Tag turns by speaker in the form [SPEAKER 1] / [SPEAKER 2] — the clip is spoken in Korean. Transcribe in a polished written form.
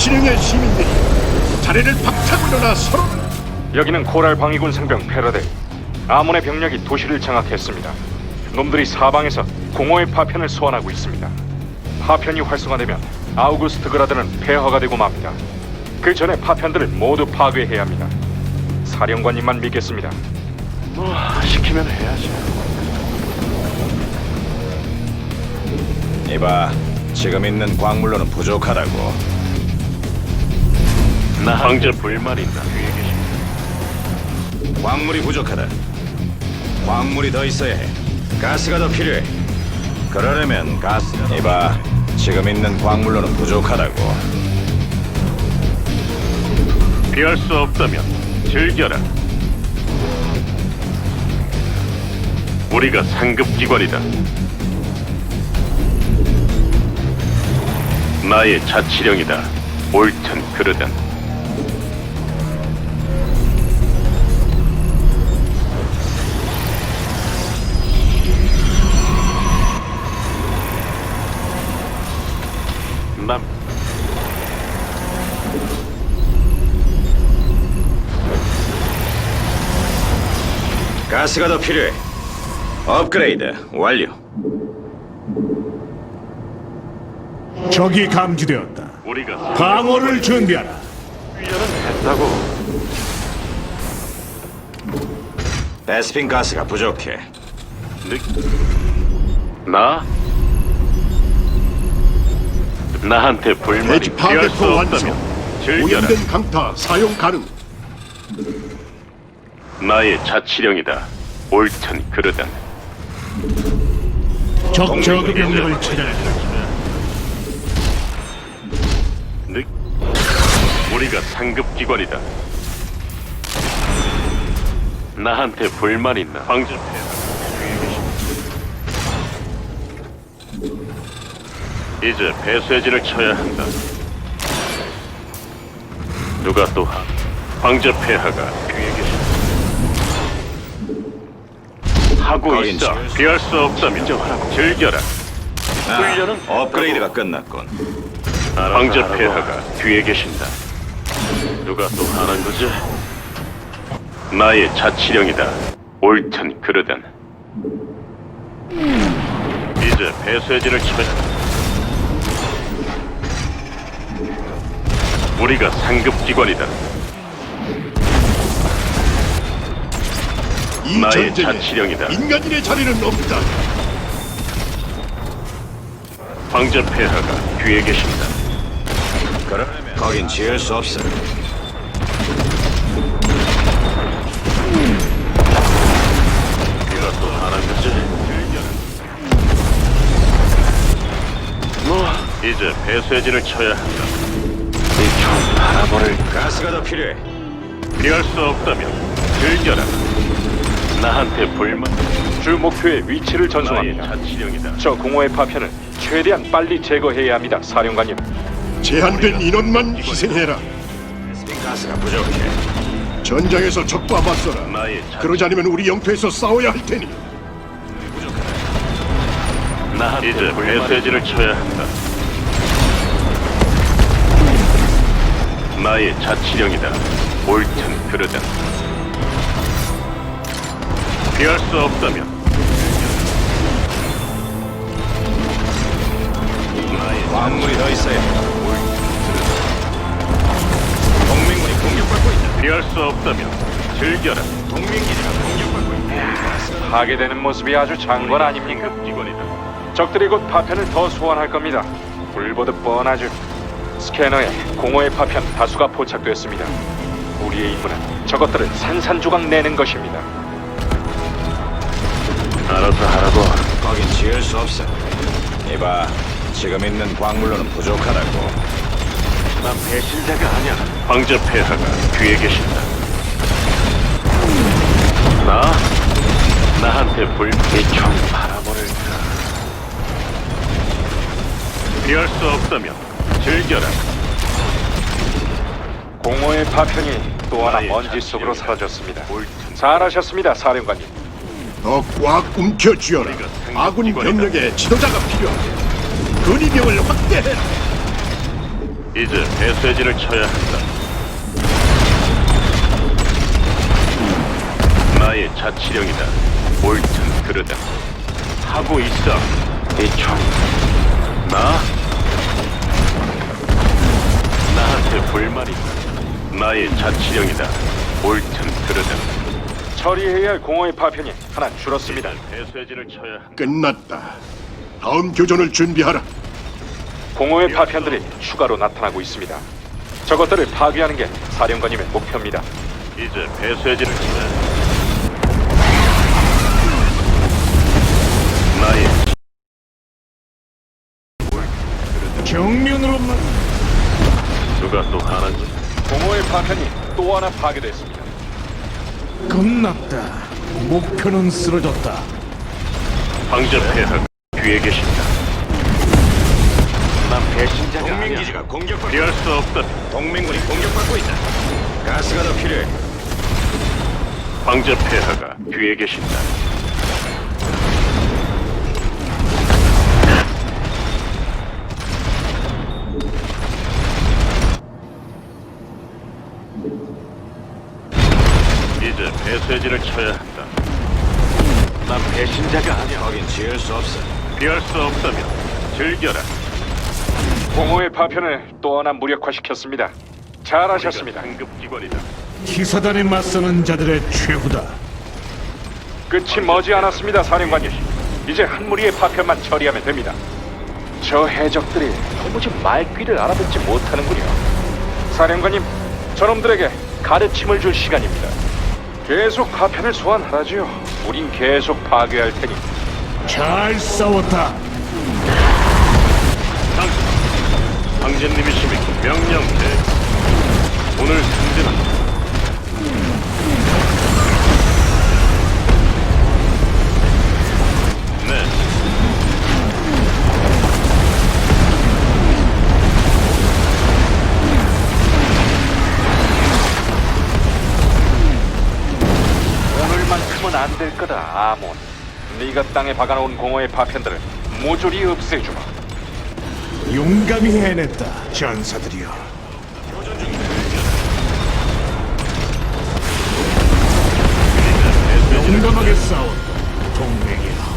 [SPEAKER 1] 자치령의 시민들이 자리를 박차고 일어나 서로.
[SPEAKER 2] 여기는 코랄 방위군 상병 패러데이. 아몬의 병력이 도시를 장악했습니다. 놈들이 사방에서 공허의 파편을 소환하고 있습니다. 파편이 활성화되면 아우구스트 그라드는 폐허가 되고 맙니다. 그 전에 파편들을 모두 파괴해야 합니다. 사령관님만 믿겠습니다.
[SPEAKER 3] 뭐 시키면 해야지.
[SPEAKER 4] 이봐, 지금 있는 광물로는 부족하다고.
[SPEAKER 3] 나 황제 불만 있다. 뒤에 계십니다.
[SPEAKER 4] 광물이 부족하다. 광물이 더 있어야 해. 가스가 더 필요해. 그러려면 가스. 이봐, 지금 있는 광물로는 부족하다고.
[SPEAKER 3] 피할 수 없다면 즐겨라. 우리가 상급 기관이다. 나의 자치령이다. 옳든 그르든. 남
[SPEAKER 4] 가스가 더 필요해. 업그레이드 완료.
[SPEAKER 1] 적이 감지되었다.
[SPEAKER 3] 우리가
[SPEAKER 1] 방어를 준비하라.
[SPEAKER 3] 훈련은 했다고.
[SPEAKER 4] 베스핀 가스가 부족해.
[SPEAKER 3] 나? 나한테 불만이
[SPEAKER 1] 대지
[SPEAKER 3] 피할 수
[SPEAKER 1] 파괴포 완성.
[SPEAKER 3] 없다면 즐겨라.
[SPEAKER 1] 오염된 강타 사용 가능.
[SPEAKER 3] 나의 자치령이다. 옳든 그르든.
[SPEAKER 1] 적 저그 병력을 찾아낸다.
[SPEAKER 3] 우리가 상급 기관이다. 나한테 불만 있나? 황제 이제 배쇄진을 쳐야 한다. 누가 또 황제 폐하가 뒤에 계신다. 하고
[SPEAKER 4] 거긴
[SPEAKER 3] 있어.
[SPEAKER 4] 지을 수
[SPEAKER 3] 피할 수 없다면 즐겨라. 훈련은
[SPEAKER 4] 업그레이드가 끝났군.
[SPEAKER 3] 황제 폐하가 뒤에 계신다. 누가 또 하는 거지? 나의 자치령이다. 옳든 그르든. 이제 배쇄진을 쳐야 한다. 우리가 상급 기관이다.
[SPEAKER 1] 이
[SPEAKER 3] 나의
[SPEAKER 1] 전쟁에
[SPEAKER 3] 자치령이다.
[SPEAKER 1] 인간인의 자리는 없다.
[SPEAKER 3] 황제 폐하가 뒤에 계신다.
[SPEAKER 4] 그러려면 거긴 지을 수 없어.
[SPEAKER 3] 네가 또 하는 거지? 뭐 이제 배쇄진을 쳐야 한다. 이총 바라보를
[SPEAKER 4] 가스가 더 필요해.
[SPEAKER 3] 피할 수 없다면 즐겨라. 나한테 불만.
[SPEAKER 2] 주 목표의 위치를
[SPEAKER 3] 나의
[SPEAKER 2] 전송합니다.
[SPEAKER 3] 자치령이다.
[SPEAKER 2] 저 공허의 파편을 최대한 빨리 제거해야 합니다, 사령관님.
[SPEAKER 1] 제한된 인원만 희생해라.
[SPEAKER 4] 베스핀 가스가 부족해.
[SPEAKER 1] 전장에서 적과 맞서라.
[SPEAKER 3] 나의
[SPEAKER 1] 그러지 않으면 우리 영토에서 싸워야 할 테니.
[SPEAKER 3] 나한테 이제 배쇄진을 쳐야 한다. 나의 자치령이다. 옳든 그르든. 피할 수 없다면 나의
[SPEAKER 4] 광물이 더 있어야 해. 동맹군이 공격받고 있다.
[SPEAKER 3] 피할 수 없다면 즐겨라.
[SPEAKER 4] 동맹기지가 공격받고 있다.
[SPEAKER 2] 파괴되는 모습이 아주 장관 아닙니까?
[SPEAKER 3] 기관이다.
[SPEAKER 2] 적들이 곧 파편을 더 소환할 겁니다. 불보듯 뻔하죠. 스캐너에 공허의 파편 다수가 포착되었습니다. 우리의 임무는 저것들을 산산조각 내는 것입니다.
[SPEAKER 3] 알아서 하라고.
[SPEAKER 4] 거긴 지을 수 없어. 이봐, 지금 있는 광물로는 부족하다고.
[SPEAKER 3] 난 배신자가 아니야. 황제 폐하가 뒤에 계신다. 나한테 불빛총 바라버릴까. 피할 수 없다면 즐겨라.
[SPEAKER 2] 공허의 파편이 또 하나
[SPEAKER 3] 나의
[SPEAKER 2] 먼지 속으로
[SPEAKER 3] 자치령이다.
[SPEAKER 2] 사라졌습니다.
[SPEAKER 3] 옳든
[SPEAKER 2] 잘하셨습니다, 사령관님.
[SPEAKER 1] 더 꽉 움켜쥐어라. 아군 병력에 지도자가 필요하다. 근위병을 확대해라.
[SPEAKER 3] 이제 배쇄진을 쳐야 한다. 나의 자치령이다. 옳든 그르든 하고 있어. 이총 나? 나한테 불만이 있다. 나의 자치령이다. 옳든 그르든
[SPEAKER 2] 처리해야 할 공허의 파편이 하나 줄었습니다.
[SPEAKER 3] 배쇄진을 쳐야 한다.
[SPEAKER 1] 끝났다. 다음 교전을 준비하라.
[SPEAKER 2] 공허의 파편들이 추가로 나타나고 있습니다. 저것들을 파괴하는 게 사령관님의 목표입니다.
[SPEAKER 3] 이제 배쇄진을 치자. 나의
[SPEAKER 1] 정면으로만.
[SPEAKER 3] 누가 또 하나지?
[SPEAKER 2] 공허의 파편이 또 하나 파괴됐습니다.
[SPEAKER 1] 끝났다. 목표는 쓰러졌다.
[SPEAKER 3] 황제 폐하가 뒤에 계신다. 난 배신자가
[SPEAKER 4] 동맹
[SPEAKER 3] 아니야.
[SPEAKER 4] 기지가 공격받고
[SPEAKER 3] 피할 수 없다.
[SPEAKER 4] 동맹군이 공격받고 있다. 가스가 더 필요해.
[SPEAKER 3] 황제 폐하가 뒤에 계신다. 이제 배쇄진을 쳐야 한다. 난 배신자가 아니야.
[SPEAKER 4] 거긴 지을 수 없어.
[SPEAKER 3] 피할 수 없다면 즐겨라.
[SPEAKER 2] 공허의 파편을 또 하나 무력화시켰습니다. 잘하셨습니다.
[SPEAKER 3] 상급기관이다.
[SPEAKER 1] 기사단에 맞서는 자들의 최후다.
[SPEAKER 2] 끝이 머지 않았습니다, 사령관님. 이제 한 무리의 파편만 처리하면 됩니다. 저 해적들이 도무지 말귀를 알아듣지 못하는군요. 사령관님, 저놈들에게 가르침을 줄 시간입니다. 계속 파편을 소환하라지요. 우린 계속 파괴할 테니.
[SPEAKER 1] 잘 싸웠다.
[SPEAKER 3] 황제님이시면 명령대. 오늘 승진은 네.
[SPEAKER 2] 오늘만큼은 안 될 거다, 아몬. 네가 땅에 박아놓은 공허의 파편들을 모조리 없애주마.
[SPEAKER 1] 용감히 해냈다. 전사들이여. 용감하게 싸웠다. 동맹이여.